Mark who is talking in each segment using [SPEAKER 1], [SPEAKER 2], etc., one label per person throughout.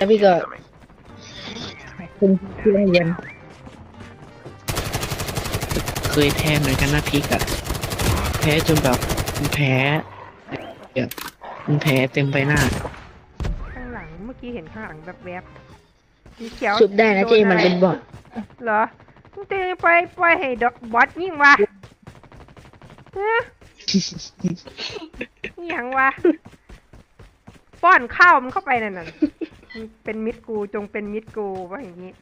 [SPEAKER 1] แล้วพี่ก็คุณที่โรงเรียน
[SPEAKER 2] เคยแพ้เหมือนกันนะพริกอะแพ้จนแบบมันแพ้แบบมันแพ้เต็มใบหน้า
[SPEAKER 3] ข้างหลังเมื่อกี้เห็นข้างหลังแบบแวบสีเขียว
[SPEAKER 1] ชุบได้นะเจมันเป็นบอท
[SPEAKER 3] เหรอมึงจะไปให้ดอกบอสยิ่งวะเฮ้ยยังวะป้อนข้าวมันเข้าไปนั่นน่ะมันเป็นมิตรกูจงเป็นมิตรกูว่าอย่างนี้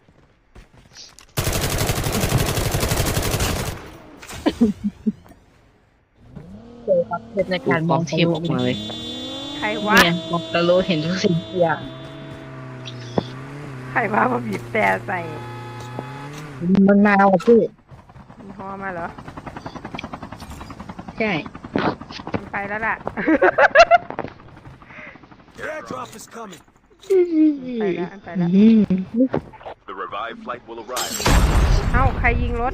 [SPEAKER 1] เป็นในการมอง
[SPEAKER 2] เทพออกมาเลย
[SPEAKER 3] ใครวะ
[SPEAKER 1] เนี่ยมองตะโลเห็นทุกสิ่งทุกอย่าง
[SPEAKER 3] ใครว่ามาบีบแต่ใส่
[SPEAKER 1] มันมาเอาพี่
[SPEAKER 3] มันฮอมาเหรอ
[SPEAKER 1] ใช่
[SPEAKER 3] มันไปแล้วล่ะ
[SPEAKER 4] Airdrop is coming.
[SPEAKER 3] ไปแล้วไปแล้ว
[SPEAKER 4] The revived flight will arrive.
[SPEAKER 3] เอ้าใครยิงรถ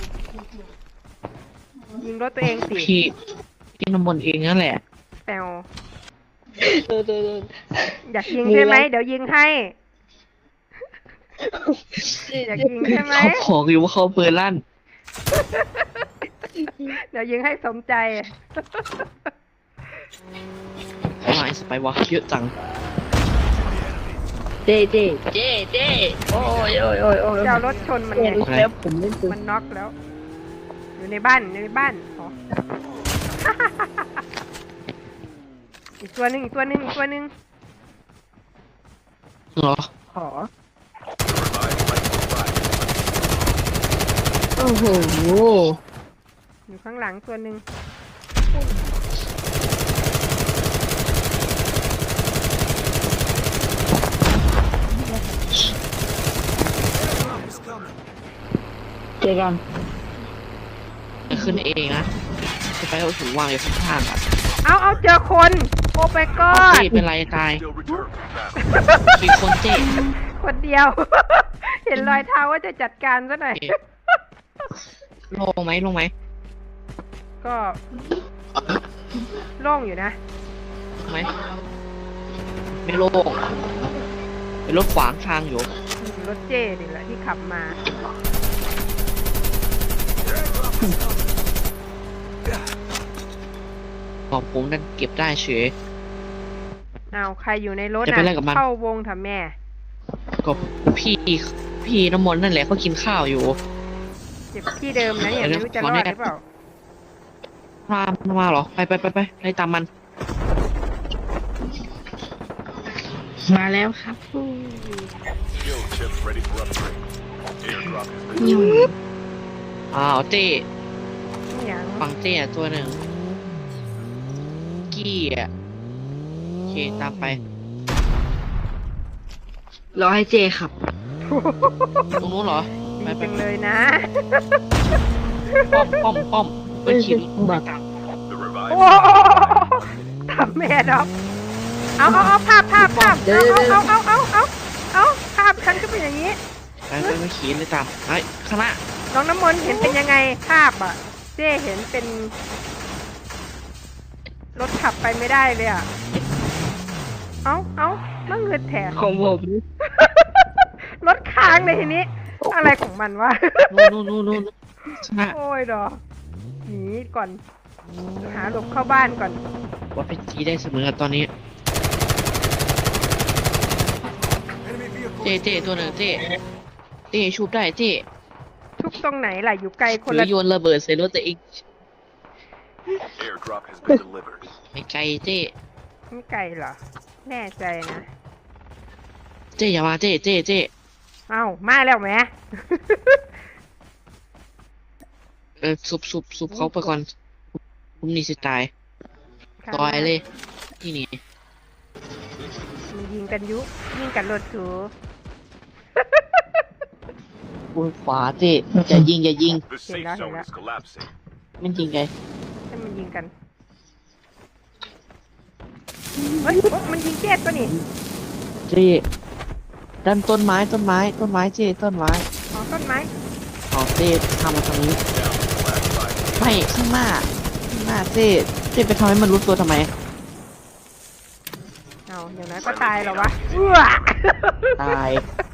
[SPEAKER 3] ยิงรถตัวเองสิ
[SPEAKER 2] พี่น้ำมนต์เองนั่นแหละ
[SPEAKER 3] แปลว
[SPEAKER 1] โดน
[SPEAKER 3] อยากยิงใช่ไหมเดี๋ยวยิงให้ อยากยิงใช่ไหม
[SPEAKER 2] เขาบอกอยู่ว่าเขาเปิดลั่น
[SPEAKER 3] เดี๋ยวยิงให้สมใจ
[SPEAKER 2] เขาหายสไปวะเยอะจัง
[SPEAKER 1] เจโอ้ย
[SPEAKER 3] จะเอารถชนมันไง
[SPEAKER 1] แล้วผมเล่นปืน
[SPEAKER 3] มันน็อกแล้ว อยู่ในบ้านอ๋อ อีกตัวหนึ่ง
[SPEAKER 2] เหรอ
[SPEAKER 1] ขอ
[SPEAKER 4] The revived flight will arrive.
[SPEAKER 1] โอ้โห
[SPEAKER 3] อยู่ข้างหลังตัวหนึ่ง
[SPEAKER 1] เจอกัน
[SPEAKER 2] จะขึ้นเองนะสไปเอาถุงวางอยู่ข้างๆอ่ะ
[SPEAKER 3] เอาเจอคน โอ้ไปก่อ
[SPEAKER 2] เจ๊
[SPEAKER 3] น
[SPEAKER 2] เป็นไรตาย
[SPEAKER 4] Still return from battle.
[SPEAKER 2] มีคนเจ๊
[SPEAKER 3] คนเดียว เห็นรอยเท้าว่าจะจัดการซะหน่อย
[SPEAKER 2] ลงไหม
[SPEAKER 3] ก็โล่งอยู่นะ
[SPEAKER 2] ไหมไม่โล่งเป็นรถขวางทางอยู่
[SPEAKER 3] รถเจ้นี่แหละที่ขับมา
[SPEAKER 2] ของผมนั่นเก็บได้เฉย
[SPEAKER 3] เอาใครอยู่ในรถ
[SPEAKER 2] จะไปไล่กับมัน
[SPEAKER 3] เข้าวงทำแม่
[SPEAKER 2] ก็พี่น้ำมนต์นั่นแหละเขากินข้าวอยู่
[SPEAKER 3] เจ็บที่เดิมนะเนี่ย
[SPEAKER 2] เดี๋
[SPEAKER 3] ไม่
[SPEAKER 2] ยว
[SPEAKER 3] รู้จะรอดหรือเปล่า
[SPEAKER 2] มาเหรอไปไล่ตามมัน
[SPEAKER 1] มาแล้วครับ
[SPEAKER 4] Skill chips ready for upgrade. Airdrop has been
[SPEAKER 1] ยุ่ง
[SPEAKER 2] อ้าวเต้
[SPEAKER 3] อย่าง
[SPEAKER 2] ฟังเต้อะตัวหนึ่งกี้อ่ะโอเคตามไป
[SPEAKER 1] รอให้เจขับ
[SPEAKER 2] ตรงนู้นเหรอ
[SPEAKER 3] ดีจังเลยนะ
[SPEAKER 2] ป้อมเป็นขีด
[SPEAKER 1] บอก
[SPEAKER 2] ตาม
[SPEAKER 4] The revived
[SPEAKER 3] โอ้
[SPEAKER 4] flight will arrive.
[SPEAKER 3] ทำแม่ดอกเอาภาพเอาภาพฉันก็เป็นอย่างนี้
[SPEAKER 2] ไปขีดเลยตามไอ้ข้างหน้า
[SPEAKER 3] น้องน้ำมนต์เห็นเป็นยังไงภาพอ่ะ เจ้เห็นเป็น รถขับไปไม่ได้เลยอ่ะ เอามันเงินแถม
[SPEAKER 1] ของผม
[SPEAKER 3] รถค้างเลยทีนี้ อะไรของมันวะ
[SPEAKER 2] นู่นข้างหน้า
[SPEAKER 3] โอ้ยดอกหนีก่อน หาหลบเข้าบ้านก่อน
[SPEAKER 2] ว่าเป็นจีได้เสมอตอนนี้
[SPEAKER 4] Enemy vehicle.
[SPEAKER 2] เต้ตัวหนึ่งเต้ชูบได้เต้
[SPEAKER 3] ทุกตรงไหนล่ะ อยู่ไกลคน
[SPEAKER 2] หรื
[SPEAKER 3] ละ
[SPEAKER 2] อโยนระเบิดใส่รถตัวเอง
[SPEAKER 4] Airdrop has been delivered.
[SPEAKER 2] ไม่ไกลเต้
[SPEAKER 3] ไม่ไกลเหรอ แน่ใจนะ
[SPEAKER 2] เต้อย่ามาเต้
[SPEAKER 3] เอ้ามาแล้วแหม
[SPEAKER 2] สุบเขาไปก่อนผมนี่สิตายต่อยเลยที่นี่
[SPEAKER 3] มันยิงกันยิงกันรถสู
[SPEAKER 2] บนขวาเต้อย่ายิง
[SPEAKER 4] The safe zone is collapsing.
[SPEAKER 2] มันยิงไง
[SPEAKER 3] ให้มันยิงกัน เฮ้ยมันยิงเจ็บตัวนี่
[SPEAKER 2] เต้ดันต้นไม้เต้ต้นไม้
[SPEAKER 3] อ๋อต้นไม้
[SPEAKER 2] อ๋อเต้ทำมาทางนี้
[SPEAKER 4] Down to the last 5.
[SPEAKER 2] ไม่ข้างหน้าเต้ไปทำให้มันรู้ตัวทำไม
[SPEAKER 3] เอาเอาอย่างนั้นก็ตายเหรอวะเอื้อ
[SPEAKER 2] ตาย